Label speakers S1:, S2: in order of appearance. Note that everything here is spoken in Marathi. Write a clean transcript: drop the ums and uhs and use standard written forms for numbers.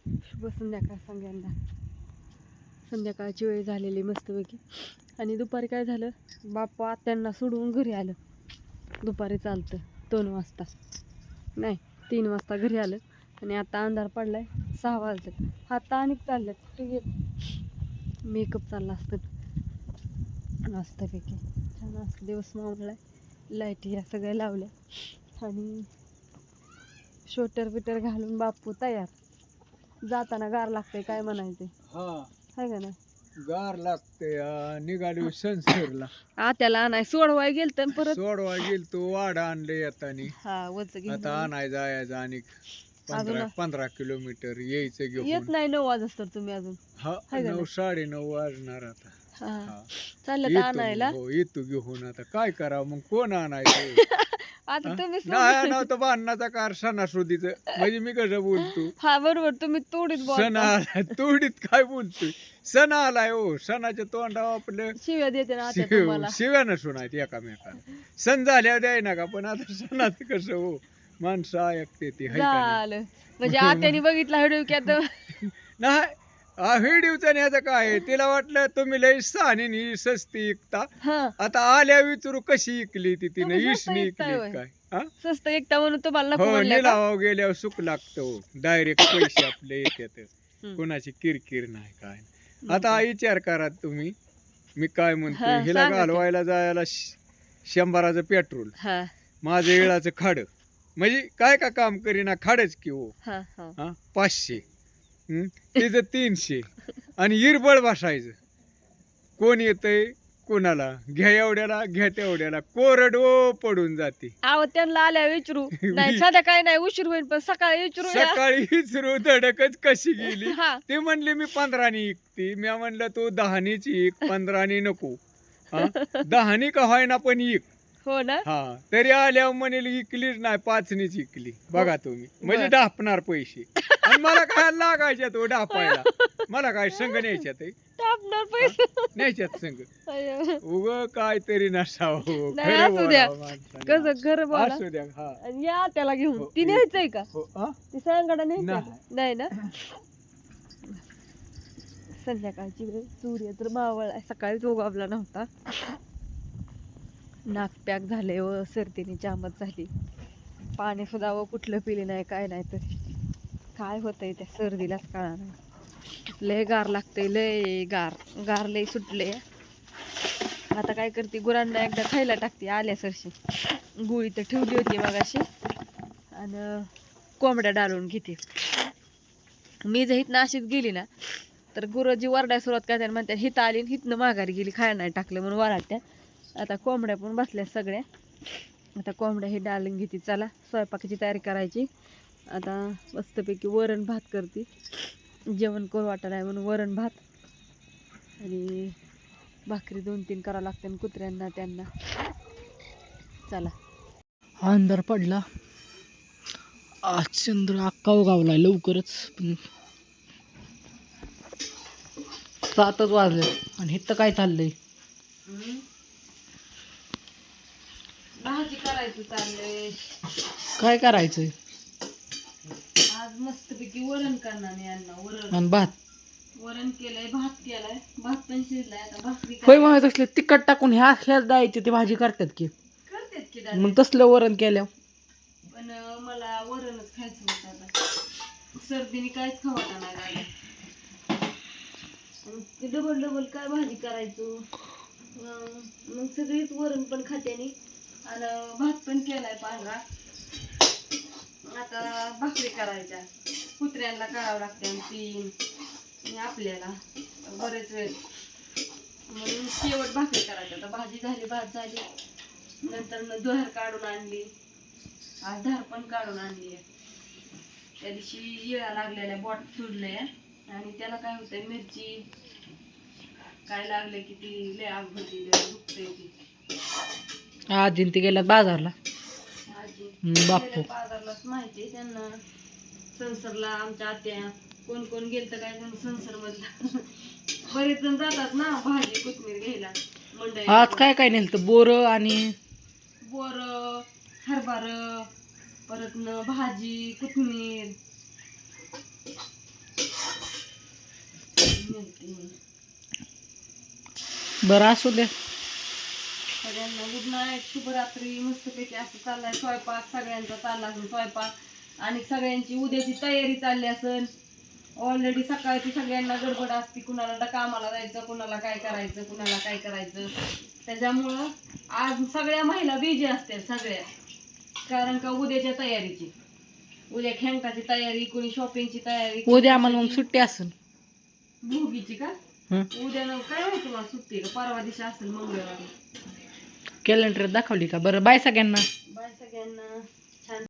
S1: शुभ संध्याकाळ सगळ्यांना. संध्याकाळची वेळ झालेली मस्तपैकी. आणि दुपारी काय झालं, बाप्पा आत्यांना सोडून घरी आलं. दुपारी चालतं 2 वाजता, नाही 3 वाजता घरी आलं. आणि आता अंधार पडलाय, 6 वाजले. आता आणि चालल्यात कुठे गेले. मेकअप चालला असतं मस्तपैकी. छान असं दिवस मावळलाय. लाईटी या सगळ्या लावल्या आणि शोटर बिटर घालून बाप्पू तयार. जाताना गार लागतंय काय म्हणायचे, हाय का नाही?
S2: गार लागते. निघाली संसरला
S1: आत्याला आणाय सोडवाय गेलत परत
S2: सोडवा गेल तो वाडा आणले येतानी.
S1: हा वच घेऊन
S2: आता आणाय जायचं आणि
S1: अजून
S2: 15 किलोमीटर यायचं
S1: येत
S2: घेऊन.
S1: नाही 9 वाजता तर तुम्ही अजून.
S2: हा
S1: हाय का
S2: 9
S1: नाही?
S2: 9:30 वाजणार आता.
S1: हा चाललं तर
S2: येतो
S1: आणायला.
S2: मग, हो येतो घेऊन. आता काय करावं मग, कोण आणायचं?
S1: आता तुम्ही
S2: नाही नव्हतं भांडणाचा कार सणासुदीच. म्हणजे मी कसं बोलतो,
S1: हा बरोबर, तुम्ही तोडीत
S2: सण
S1: बोलता.
S2: आलाय तोडीत काय बोलतोय. सण आलाय हो, सणाच्या तोंडावर आपलं
S1: शिव्या देते ना आता तुम्हाला.
S2: शिव्या नसून आहेत एकामेकाला. सण झाल्यावर द्याय नका, पण आता सणात कसं हो, माणसं ऐकते ती हाय का नाही?
S1: झालं म्हणजे आत्याने बघितला व्हिडिओ की आता
S2: नाही व्हिडिओचा न्यायचं काय आहे? तिला वाटलं तुम्ही लय सहानी सस्ती इकता.
S1: हा
S2: आता आल्या विचारू कशी इकली ती, तिने
S1: तुम्ही स्वस्त
S2: इसनी
S1: विकताय
S2: इकली
S1: होय?
S2: काय? हा
S1: स्वस्त एकटा म्हणून तुम्हाला नको
S2: हो,
S1: म्हणलं का?
S2: निलावाव गेल्यावर सुख लागतो. डायरेक्ट पैसे आपले येतात.
S1: हम्म.
S2: कोणाची किरकिर नाही काय. आता विचार करा तुम्ही, मी काय म्हणतो,
S1: हा,
S2: हिला
S1: सांगा की.
S2: घालवायला जायला 100चं पेट्रोल,
S1: हा
S2: माझं येळाचं खाड, म्हणजे काय का काम करीना, खाडच की हो.
S1: हा हा
S2: 500, तिचं 300 आणि इरबळ बसायचं. कोण येतंय कोणाला, घ्या एवढ्याला घ्या तेवढ्याला, कोरडो पडून जाते.
S1: आव त्यांना आल्या विचारू नाही, साध्या काय नाही, उशीर होईल पण सकाळी विचारू या.
S2: सकाळी विचारू धडकच कशी गेली.
S1: हा
S2: ते म्हणले मी 15नी इकती. मी म्हणलं तू 10नीच इक, 15नी नको. 10नी का होईना पण इक.
S1: हो ना.
S2: हा तरी आल्यावर म्हणेल इकलीच नाही, 5नीच इकली. बघा तुम्ही, म्हणजे
S1: बर.
S2: डापणार पैसे. आणि मला काय लागायच्या तो डापायला, मला काय संघ न्यायच्यात
S1: टापणार पैसे.
S2: न्यायच्यात संघ.
S1: अय्यो.
S2: उग काहीतरी नसावं.
S1: नाही,
S2: खरं
S1: असू द्या.
S2: बोलावं माणसाने.
S1: कसं घर बोला.
S2: असू द्या. हा
S1: आणि या त्याला घेऊन
S2: हो,
S1: ती न्यायचंय का?
S2: हो, हा?
S1: ती सांगाडा न्यायचंय
S2: नाही.
S1: का? नाही ना. संध्याकाळची वेळ, सूर्य तर मावळ आहे, सकाळीच उगवला नव्हता. नाक पॅक झाले व सर्दीने जामच झाली. पाणी सुद्धा व कुठलं पिले नाही काय नाही, तर काय होतंय त्या सर्दीलाच कळा नाही. लय गार लागतंय, लय गार गार लय सुटले. आता काय करते, गुरांना एकदा खायला टाकते आल्या सरशी. गुळी तर ठेवली होती मगाशी आणि कोंबड्या डाळून घेते. मी जर हिथनं अशीच गेली ना तर गुरं जी वरडाय सुरुवात करतात, म्हणतात हिथं आली हिथनं माघारी गेली, खायला नाही टाकलं म्हणून वराडत्या. आता कोंबड्या पण बसल्या सगळ्या. आता कोंबड्या हे डाळून घेते. चला स्वयंपाकाची तयारी करायची. आता मस्तपैकी वरण भात करते. जेवण करू वाटत नाही म्हणून वरण भात आणि भाकरी 2-3 करावं लागते कुत्र्यांना त्यांना. चला. अंधार पडला, आज चंद्र अक्का उगावला लवकरच, पण 7च वाजले. आणि इथं काय चाललंय? भाजी करायचं चाललंय. काय करायचंय आज? मस्तपैकी वरण करणार यांना. वरण आणि भात. वरण केलंय, भात केलाय, भात पण शिजलाय. आता भाकरी होय म्हणत असले तिखट टाकून ह्याच द्यायची ती भाजी करतात की मग तसलं वरण केल्या. पण मला वरणच खायचं होतं. आता सर्दीने काहीच खावता नाही लागलं. ते डबल काय भाजी करायचो, मग सगळीच वरण पण खात्यानी आणि भात पण केलाय पांढरा. आता भाकरी करायच्या, कुत्र्यांना करावं लागते आणि आपल्याला बरेच वेळ, म्हणून शेवट भाकरी करायची. आता भाजी झाली, भात झाली, नंतर दोहार काढून आणली. आज धार पण काढून आणली. त्या दिवशी येळा लागलेल्या बोट सुडले आणि त्याला काय होतंय, मिरची काय लागले की ती लय आग होती, दुखते ती. आजी ती गेल्यात बाजारला. बापू बाजारलाच माहिती त्यांना. संसरला आमच्या आत्या कोण कोण गेलत काय जण संसर मधला. बरेच जण जातात ना भाजी कोथमीर घ्यायला मंडई. आज काय काय नेलतं? बोर आणि बोर, हरभर, परत भाजी, कोथमीर,
S3: बरं असू दे.
S1: सगळ्यांना गुड नाईट, शुभरात्री. मस्तपैकी असं चाललाय स्वयंपाक, सगळ्यांचा चालला असेल स्वयंपाक आणि सगळ्यांची उद्याची तयारी चालली असेल. ऑलरेडी सकाळची सगळ्यांना गडबड असते, कुणाला कामाला जायचं, कुणाला काय करायचं, कुणाला काय करायचं. त्याच्यामुळं आज सगळ्या महिला बिझी असतील सगळ्या, कारण का उद्याच्या तयारीची, उद्या खेंगटाची तयारी, कोणी शॉपिंगची तयारी.
S3: उद्या आम्हाला मग सुट्टी असेल.
S1: भोगीची का? उद्या ना काय माहिती मला सुट्टी का, परवा दिवशी असेल मंगळवारी.
S3: कॅलेंडर दाखवली का? बरं बाय सगळ्यांना.
S1: बाय सगळ्यांना.